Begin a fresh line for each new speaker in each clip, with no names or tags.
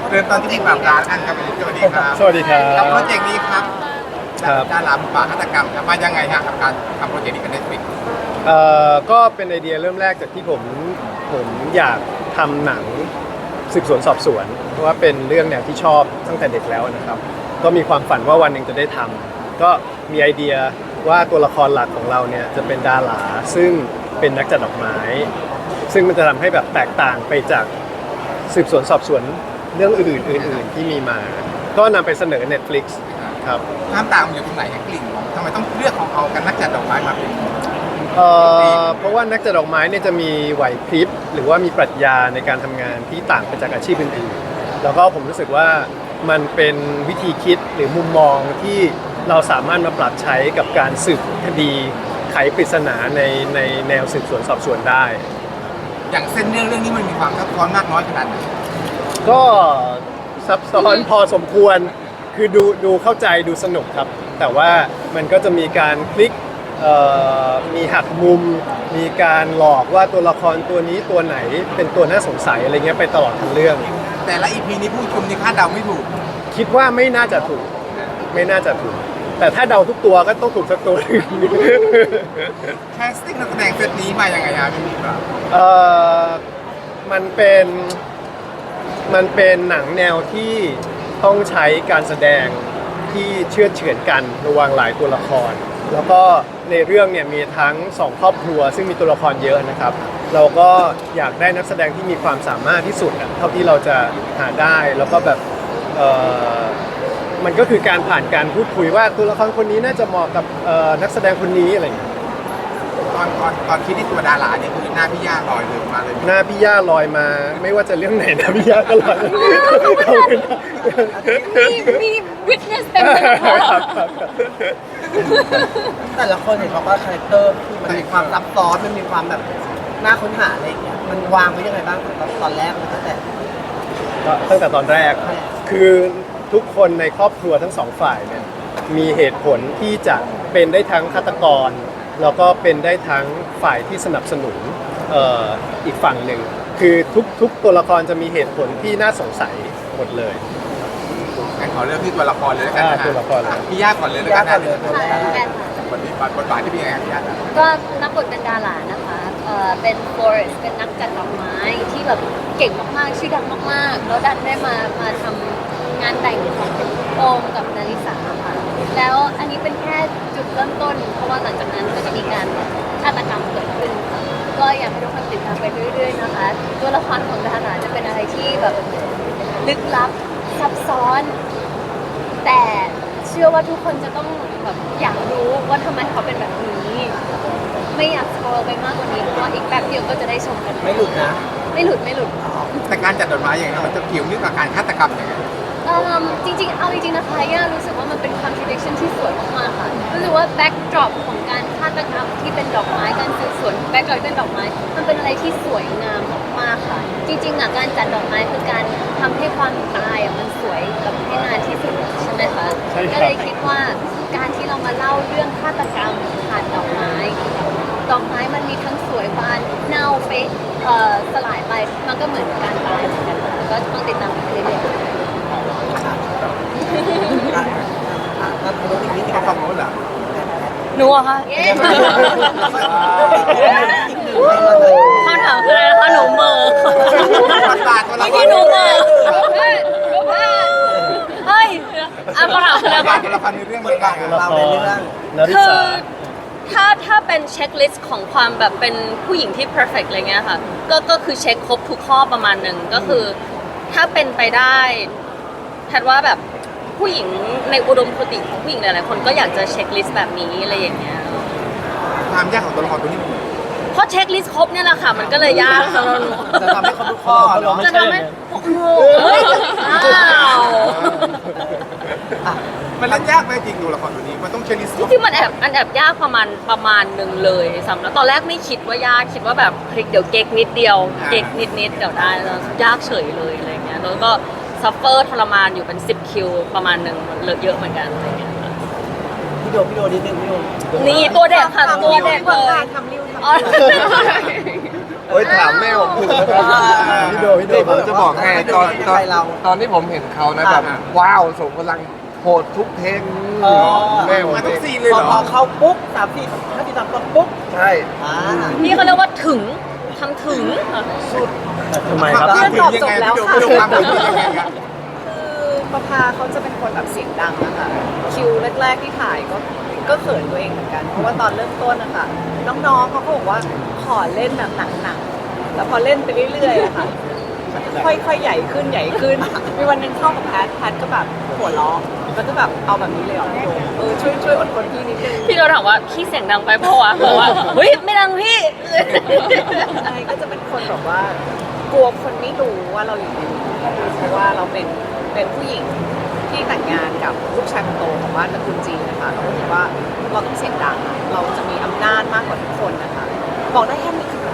เริ่มตอนที่พี่ปราบร้านอันครับสวัสดีครับ
สวัสดีครับ
กับโปรเจกต์นี้ครับ
ครับ
ดาราหมูป่าฆาตกรรมครับมายังไงฮะกับการทำโปรเจกต์นี้กับ Netflix
ก็เป็นไอเดียเริ่มแรกจากที่ผมอยากทำหนังสืบสวนสอบสวนเพราะว่าเป็นเรื่องแนวที่ชอบตั้งแต่เด็กแล้วนะครับก็มีความฝันว่าวันหนึ่งจะได้ทำก็มีไอเดียว่าตัวละครหลักของเราเนี่ยจะเป็นดาราซึ่งเป็นนักจัดดอกไม้ ซึ่งมันจะทำให้แบบแตกต่างไปจากสืบสวนสอบสวนเรื่องอื่นๆที่มีมา ก็นำไปเสนอ Netflix ครับ
ความต่างมันอยู่ตรงไหนฮะกลิ่นของทำไมต้องเลือกของเอากันนักจัดดอกไม้มาเป็น
เพราะว่านักจัดดอกไม้เนี่ยจะมีไหวพริบหรือว่ามีปรัชญาในการทำงานที่ต่างไปจากอาชีพอื่นๆแล้วก็ผมรู้สึกว่ามันเป็นวิธีคิดหรือมุมมองที่เราสามารถมาปรับใช้กับการสืบคดีไขปริศนาในแนวสืบสวนสอบสวนได้
อย่างเส้นเรื่องนี้มันมีความซับซ้อนมากน้อยขนาดไหน
ก็ซับซ้อนพอสมควรคือดูเข้าใจดูสนุกครับ แต่ว่ามันก็จะมีการพลิกมีหักมุม มีการหลอกว่าตัวละครตัวนี้ตัวไหนเป็นตัวน่าสงสัยอะไรเงี้ยไปตลอดทั้งเรื่อง
แต่ละ EP นี้ผู้ชมนี่คาดเดาไม่ถูก
คิดว่าไม่น่าจะถูก ไม่น่าจะถูก แต่ถ้าเดาทุกตัวก็ต้องถูกสักตัวหนึ่ง
แคสติ้งนักแสดงเซตนี้มายังไงฮะพี่ปราบ
เอ่อมันเป็นหนังแนวที่ต้องใช้การแสดงที่เชื่อดเฉือนกันระหว่างหลายตัวละคร แล้วก็ในเรื่องเนี่ยมีทั้งสองครอบครัวซึ่งมีตัวละครเยอะนะครับ เราก็อยากได้นักแสดงที่มีความสามารถที่สุดเท่าที่เราจะหาได้แล้วก็แบบมันก็คือการผ่านการพูดคุยว่าตัวละครคนนี้น่าจะเหมาะกับนักแสดงคนนี้อะไรอย่างเงี้ย
ตอนคิดที่ตัวดาราเนี่ยคือหน้าพี่ย่าลอยเลยมาเลย
หน้าพี่ย่าลอยมาไม่ว่าจะเรื่องไหนนะพี่ย่าก็ลอยขอบคุณครับ
มีวิทเนสเต็มเลยนะคะ
ครับ
แต่ละคนเห็นบอกว่าคาแรคเตอร์คือมันมีความซับซ้อนมันมีความแบบน่าค้นหาอะไรอย่างเงี้ยมันวางไว้ยังไงบ้างตอนแรกตั้งแต่
ก็ตั้งแต่ตอนแรกคือทุกคนในครอบครัวทั้งสองฝ่ายเนี่ยมีเหตุผลที่จะเป็นได้ทั้งฆาตกร แล้วก็เป็นได้ทั้งฝ่ายที่สนับสนุนอีกฝั่งหนึ่งคือทุกตัวละครจะมีเหตุผลที่น่าสงสัยหมดเลย
งั้นขอเลือกที่ตัวละครเลยแล้วกันนะฮะ
ตัวละครเลย
พี่ย่าก่อนเลยแล้วกัน
พี่ย่าก่
นะ
อนเลยตัวแรก
แอนค่ะ
บทบาทที่เป็นยังไงพี่ย่า
ก็รับบทเป็นดารานะคะเป็นฟลอเรสเป็นนักจัดดอกไม้ที่แบบเก่งมากๆ ชื่อดังมากๆ แล้วดันได้มาทำงานแต่งของโอมกับนาริสาค่ะ แล้วอันนี้เป็นแค่จุดเริ่มต้น เพราะว่าหลังจากนั้นก็จะมีการฆาตกรรมเกิดขึ้นค่ะก็อยากให้ทุกคนติดตามไปเรื่อยๆนะคะ ตัวละครของดาราจะเป็นอะไรที่แบบลึกลับซับซ้อน แต่เชื่อว่าทุกคนจะต้องแบบอยากรู้ว่าทำไมเขาเป็นแบบนี้ ไม่อยากสปอยไปมากกว่านี้เพราะว่าอีกแป๊บเดียวก็จะได้ชมกัน
ไม่หลุดนะ
ไม่หลุดไม่หลุด
แต่การจัดดอกไม้อย่างนี้มันจะเกี่ยวเนื่องกับการฆาตกรรมยังไง
จริงๆเอาจริงๆนะคะย่ารู้สึกว่ามันเป็น contradiction ที่สวยมากๆค่ะรู้สึกว่า backdrop ของการฆาตกรรมที่เป็นดอกไม้การสืบสวน backdrop ที่เป็นดอกไม้มันเป็นอะไรที่สวยงามมากๆค่ะ จริงๆการจัดดอกไม้คือการทำให้ความตายมันสวยแบบให้นานที่สุดใช่ไหมคะ
ใช่ครับ
ก็เลยคิดว่าการที่เรามาเล่าเรื่องฆาตกรรมผ่านดอกไม้ ดอกไม้มันมีทั้งสวยบานเน่าเฟะสลายไปมันก็เหมือนการตายเหมือนกันค่ะก็ต้องติดตามไปเรื่อยๆ
ถ้ารู้อีกนิดนึง
เขาฟังรู้เหรอ
หนูอะคะ
เย้
คำถามคืออะไรนะคะหนูเหมอ
บทบาทตัวละค
เมื่อ
ร
กี้หนูเหมอ
เฮ้ยรู้ป่ะ
เฮ้ยอ่ะคำถามคืออะไร
บทบา
คะ
ทตัวละครในเรื่องเป็นยังไง
ตัวละครนาริ
คื
สา
อถ้าเป็นเช็คลิสต์ของความแบบเป็นผู้หญิงที่ perfect อะไรเงี้ยค่ะก็คือเช็คครบทุกข้อประมาณหนึ่งก็คือถ้าเป็นไปได้แพทย์ว่าแบบผู้หญิงในอุดมคติของผู้หญิงหลายๆคนก็อยากจะเช็คลิสต์แบบนี้อะไรอย่างเงี้ย
ความยากของตัวละครตัวนี้
เพราะเช็คลิสต์ครบเนี่ยแหละค่ะมันก็เลยยากสำหรับหนู
จะทำให้ครบทุกข้อเนาะ
จะทำให้โอ้โหอ้าว
มันเล่นยากไหมจริงตัวละครตัวนี้มันต้องเชลิส
จริงๆมันแอบยากประมาณหนึ่งเลยสำหรับตอนแรกไม่คิดว่ายากคิดว่าแบบเฮ้ยเดี๋ยวเก๊กนิดเดียวเก๊กนิดเดี๋ยวได้แล้วยากเฉยเลยอะไรเงี้ยแล้วก็ซัฟเฟอร์ทรมานอยู่เป็น10 คิวประมาณหนึ่งเยอะเหมือนกันอะไรเงี้ยค่ะ
พี่โดนิดนึงพี่โด
นี่ตัวเด็กค่ะตัวเด็กเลย
ทำริ้ว
อ๋อ
เฮ้ยถามแม่ผมถูกนะครับ
พี่โดพี่โด
ผมจะบอกให้ตอนที่ผมเห็นเขานะแบบว้าวส่งพลังโหดทุกเทคแม่ผม
มาทุกซี
นี่
นเลยเหร
พ
อ
อเขาปุ๊บ3-4 ปุ๊บ
ใช่
อ่า
นี่เขาเรียกว่าถึงทำถึง
ทำไมครับ
เรื่องตอบจบแล้วค่ะพี่โดความเป็นยังไงครับ
คือประภาเขาจะเป็นคนแบบเสียงดังนะคะคิวแรกๆที่ถ่ายก็เขินตัวเองเหมือนกันเพราะว่าตอนเริ่มต้นนะคะน้องๆเขาก็บอกว่าขอเล่นแบบหนักๆแล้วพอเล่นไปเรื่อยๆอะค่ะค่อยๆใหญ่ขึ้นใหญ่ขึ้นมีวันหนึงเข้ากับแพทก็แบบหัวเราะแล้วก็แบบเอาแบบนี้เลยเหรอพี่โดช่วยอดทนพี่นิดนึง
พี่เราถามว่าพี่เสียงดังไปเพราะว่าบอกว่าเฮ้ยไม่ดังพี่
ใช่ก็จะเป็นคนแบบว่ากลัวคนไม่รู้ว่าเราอยู่ในนี้เพราะว่าเราเป็นผู้หญิงที่แต่งงานกับลูกชายคนโตของบ้านตระกูลจีนนะคะเราก็คิดว่าเราต้องเสียงดังเราจะมีอำนาจมากกว่าทุกคนนะคะบอกได้แค่นี้ค่ะ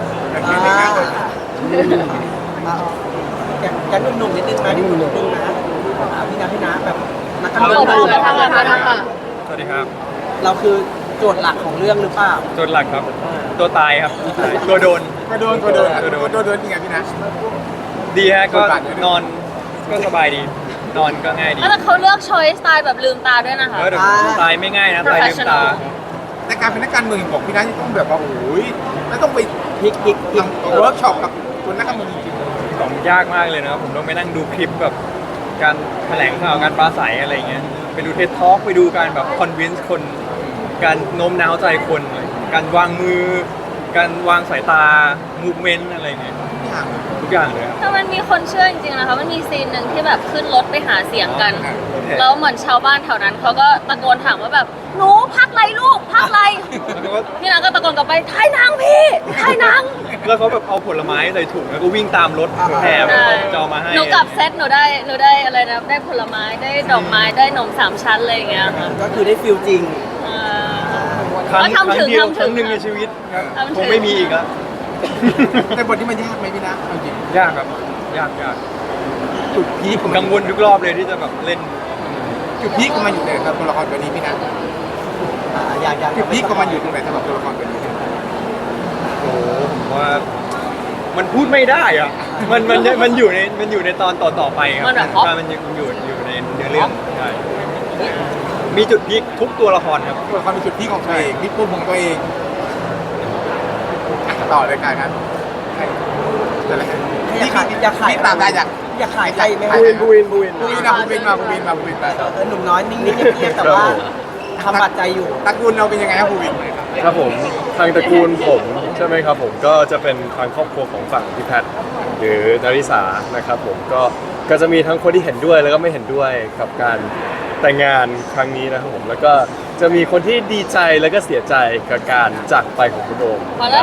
กันหนุ่มๆนิดนึงนะนิดนึงนะพี่นะให้นะแบบนักการ
เอา
เมือง
เอาเอาเอา
สวัสดีครับ
เราคือโจทย์หลักของเรื่องหรือเปล่า
โจทย์หลักครับ ตัวตายครับ ตัวโดน
ก็โดนจริงไงพี่นะ
ดีฮะก็
บทบาทเยอะด้วย
นอนก็สบายดี นอนก็ง่ายดี
แล้วเขาเลือกช้อยสไตล์แบบลืมตาด้วยนะคะ
แต่ตายไม่ง่ายนะตายลืมตา
แต่การเป็นนักการเมืองบอกพี่นะต้องแบบว่าโอ้ยแล้วต้องไป
พลิก
ทำเวิร์กช็อปกับคนนักการเมืองจริง
ของยากมากเลยนะครับผมต้องไปนั่งดูคลิปแบบการแถลงข่าวการปราศัยอะไรเงี้ยไปดูเท็ดทอล์กไปดูการแบบคอนวินส์คน การโน้มน้าวใจคน การวางมือ การวางสายตามูฟเมนต์อะไรเงี้ย
ๆอย่าง
ทุกอย่างเลยครับ
แต่มันมีคนเชื่อจริงๆนะคะ มันมีซีนหนึ่งที่แบบขึ้นรถไปหาเสียงกัน
อ๋อ
แล้วเหมือนชาวบ้านแถวนั้นเขาก็ตะโกนถามว่าแบบหนูพักไรลูกพักไร
แล้วก็
พี่นางก็ตะโกนกลับไปถ่ายหนังพี่ถ่ายหนัง
แล้วเขาแบบเอาผลไม้ใส่ถุงแล้วก็วิ่งตามรถแห่แบบจะเอามาให้
หนูกลับเซตหนูได้อะไรนะได้ผลไม้ได้ดอกไม้ได้นมสามชั้นอะไรอย่างเงี้ยค่ะ
ก็คือได้ฟิลจริง
อ่า
ครั้ง
ทำถึง
เดียว
ทำถึง
ครั้งหนึ่งในชีวิตครับ
ทำถึง
คงไม่มีอีกแล้ว
แต่บทนี้มันยากไหมพี่นะเอาจริง
ยากครับยาก
จุดพีค
ผมกังวลทุกรอบเลยที่จะแบบเล่น
จุดพีคของมันอยู่ในตัวละครตัวนี้พี่นะ
อยาก
จุดพีคของมันอยู่ตรงไหนสำหรับตัวละครตัวนี้
โอ้โหผมว่ามันพูดไม่ได้อะมันอยู่ในตอนต่อไปครับ
มันแบบ
ใช่มันอยู่ในเนื้อเรื่องใช่มีจุดพีคทุกตัวละครครับ
ตัวละครเป็นจุดพีคของตัวเองพีคปุ่มของตัวเองต่อเลยการครับอะไร
อยากขาย
พี่ตามได้อยาก
ขายใจไหม
บูวิน
บูวินไป
หนุ่มน้อยนิ่งๆเงียบๆแต่ว่าทำบัดใจอยู่
ตระกูลเราเป็นยังไงครับบูวิน
ครับผมทางตระกูลผมใช่ไหมครับผมก็จะเป็นทางครอบครัวของฝั่งพี่แพทย์หรือนาริสานะครับผมก็จะมีทั้งคนที่เห็นด้วยแล้วก็ไม่เห็นด้วยกับการแต่งงานครั้งนี้นะครับผมแล้วก็จะมีคนที่ดีใจแล้วก็เสียใจกับการจากไปของคุณโอม
พอละ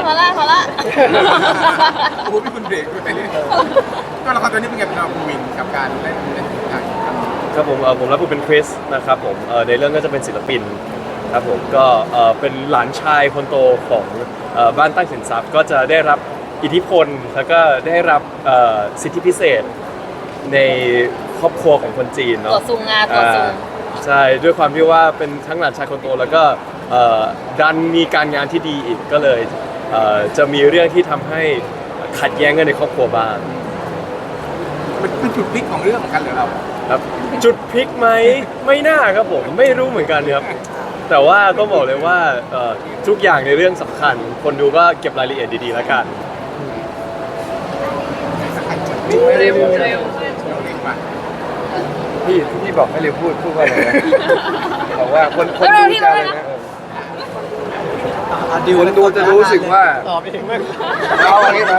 โอ้โหพี่คุณเบรกไปเรื่อยตัวละครตัวนี้เป็นไงเป็นบูวินกับการเล่นอย่าง
ครับผมผมรับบทเป็นคริสนะครับผมในเรื่องก็จะเป็นศิลปินครับผมก็เป็นหลานชายคนโตของบ้านตั้งสินทรัพย์ก็จะได้รับอิทธิพลแล้วก็ได้รับสิทธิพิเศษในครอบครัวของคนจีนเนาะ
ตัวซุงงาตัวซุง
ใช่ด้วยความที่ว่าเป็นทั้งหลานชายคนโตแล้วก็ดันมีการงานที่ดีอีกก็เลยจะมีเรื่องที่ทำให้ขัดแย้งกันในครอบครัวบ้าง
มันเป็นจุดพลิกของเรื่องเหมือนกันเหรอเรา
ครับจุดพลิกไหมไม่น่าครับผมไม่รู้เหมือนกันครับแต่ว่าต้องบอกเลยว่าทุกอย่างในเรื่องสำคัญ คนดูก็เก็บรายละเอียดดีๆแล้วกัน
เร็ว
พี่บอกให้เร็วพูดว่าอะไรนะบอกว่าคนดูจะอะไรนะคนดูจะรู้สึกว่า
ตอบเองไม่
เอาอันนี้มา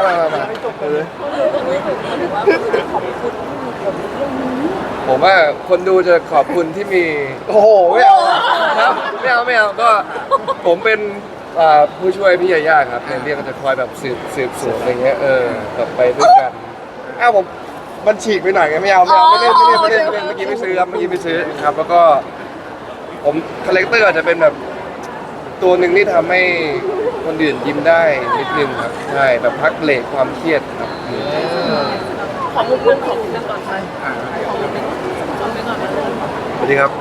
ผมว่าคนดูจะขอบคุณที่มีโอ้โหไม่เอาครับไม่เอาก็ผมเป็นผู้ช่วยพี่ยาย่าครับในเรื่องก็จะคอยแบบสืบสวนอะไรเงี้ยแบบไปด้วยกันผมมันฉีกไปหน่อยไงไม่เล่นเมื่อกี้ไม่ซื้อครับครับแล้วก็ผมคาแรคเตอร์อาจจะเป็นแบบตัวหนึ่งที่ทำให้คนอื่นยิ้มได้นิดนึงครับใช่แบบพักเบรกความเครียดครับ
ขอมุมเรื่องของเรื่องก่อนไป
สวัสดีครับ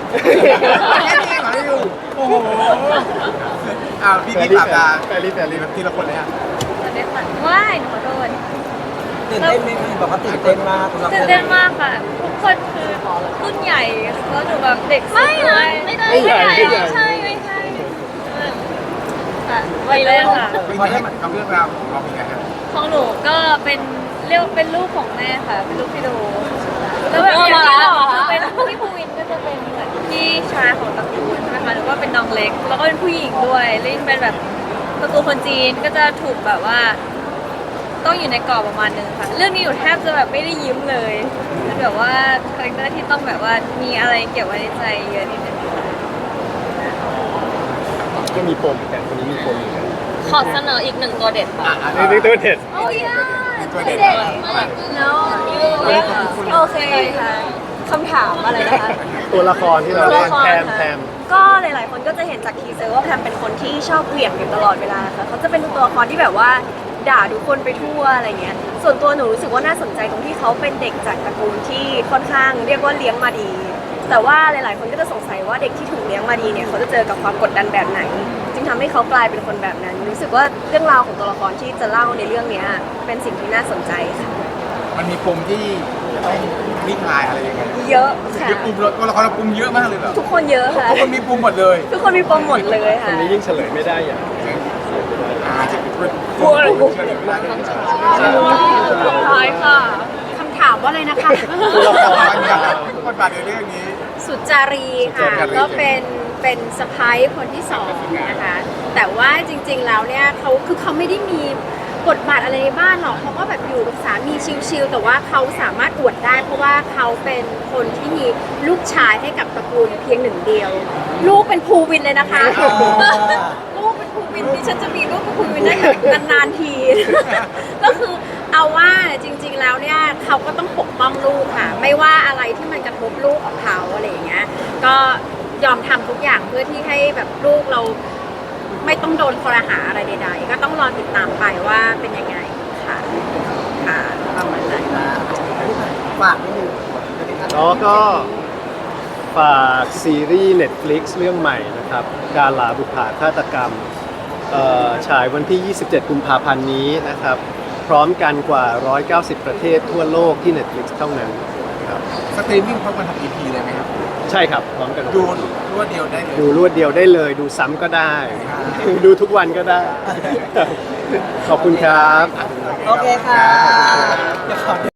โอ้โหพี่ตามดาแฟรี่แบบทีละคนเลยฮะ
ว้ายหนูขอโทษ
ตื่นเต้นไหมคะบอกว่าตื่นเต้นมากสำหรับ
ตื่นเต้นมากค่ะ ทุกคนคือรุ่นใหญ่แล้วหนูแบบเด็กไม่นะไม่ได้ไม่ใช่ไม่ใช่ค่ะไปเลยค่ะ
เป็นยังไงกับเรื่องราวของเราเป็นไงครับ
ของหนูก็เป็นเรียกว่าเป็นลูกของแม่ค่ะ เป็นลูกพี่โดแล้วแบบอย่างที่บอกคือเป็นพี่ภูวินก็จะเป็นเหมือนพี่ชายของตระกูลใช่ไหมคะหรือว่าเป็นน้องเล็ก แล้วก็เป็นผู้หญิงด้วยเล่นเป็นแบบตระกูลคนจีนก็จะถูกแบบว่า ต้องอยู่ในกรอบประมาณนึงค่ะ เรื่องนี้หนูแทบจะแบบไม่ได้ยิ้มเลยเป็นแบบว่าคาแรคเตอร์ที่ต้องแบบว่ามีอะไรเก็บไว้ในใจเยอะนิดนึง
ก็มีปมแต่คนนี้มีปมอยู่แล้ว
ขอเสนออีกหนึ่งตัวเด็ดค่ะ
นี่ตัวเด็ด
โอ้ย
ตัวเด็ด
เด็ดมากเนาะโอเคค่ะคำถามอะไรนะคะ
ตัวละครที่เราเล่นแพม
ก็หลาย ๆ คนก็จะเห็นจากทีเซอร์ว่าแพมเป็นคนที่ชอบเหวี่ยงอยู่ตลอดเวลาค่ะเขาจะเป็นตัวละครที่แบบว่าด่าทุกคนไปทั่วอะไรเงี้ย ส่วนตัวหนูรู้สึกว่าน่าสนใจตรงที่เขาเป็นเด็กจากตระกูลที่ค่อนข้างเรียกว่าเลี้ยงมาดี แต่ว่าหลาย ๆ คนก็จะสงสัยว่าเด็กที่ถูกเลี้ยงมาดีเนี่ยเขาจะเจอกับความกดดันแบบไหน จึงทำให้เขากลายเป็นคนแบบนั้น รู้สึกว่าเรื่องราวของตัวละครที่จะเล่าในเรื่องเนี้ยเป็นสิ่งที่น่าสนใจค่ะ
มันมีปมที่จะต้องคลี่คลายอะไรยังไง
เยอะค่ะ
เยอะปมตัวละครเราปมเยอะมากเลยเหรอ
ทุกคนเยอะค่ะ
ทุกคนมีปมหมดเลย
ทุกคนมีปมหมดเลย
ค
ค่ะ
นนี้ยิ่งเฉลยไม่ได้อย่าง
จะเป็นคน
ท้ายค่ะ
คำถามว่าอะไรนะคะ
ตัวละคร
บทบาทในเรื่องนี้
สุจารีค่ะ
สุจารี
ก็เป็นสะพ้ายคนที่สองนะคะ แต่ว่าจริงๆแล้วเนี่ยเขาไม่ได้มีบทบาทอะไรในบ้านหรอกเขาก็แบบอยู่กับสามีชิลๆแต่ว่าเขาสามารถอวดได้ เพราะว่าเขาเป็นคนที่มีลูกชายให้กับตระกูลเพียงหนึ่งเดียว ลูกเป็นภูวินเลยนะคะ ลูกเป็นภูวินที่ฉันจะมีลูกเป็นภูวินได้นานๆที ก็คือเอาว่าจริงๆแล้วเนี่ยเขาก็ต้องปกป้องลูกค่ะ ไม่ว่าอะไรที่มันกระทบลูกของเขาอะไรอย่างเงี้ยก็ยอมทำทุกอย่างเพื่อที่ให้แบบลูกเราไม่ต้องโดนคอรหาอะไรใดๆก็ต้องรอติดตามไปว่าเป็นยังไงค่ะค่ะ
ทำอะไรนะฝากนิดนึง
แล้วก็ฝากซีรีส์ Netflix เรื่องใหม่นะครับการลาบุปผาฆาตกรรมฉายวันที่ 27 กุมภาพันธ์นี้นะครับ พร้อมกันกว่า 190 ประเทศทั่วโลกที่ Netflix เท่านั้นครับ
สตรีมมิ่งพร้อมกันทำ EP เลยไหมครับ
ใช่ครับ พร้อมกัน
ดูรวดเดียวได้เลย
ดูรวดเดียวได้เลย ดูซ้ำก็ได้ ดูทุกวันก็ได้ ขอบคุณครับ
โอเคค่ะ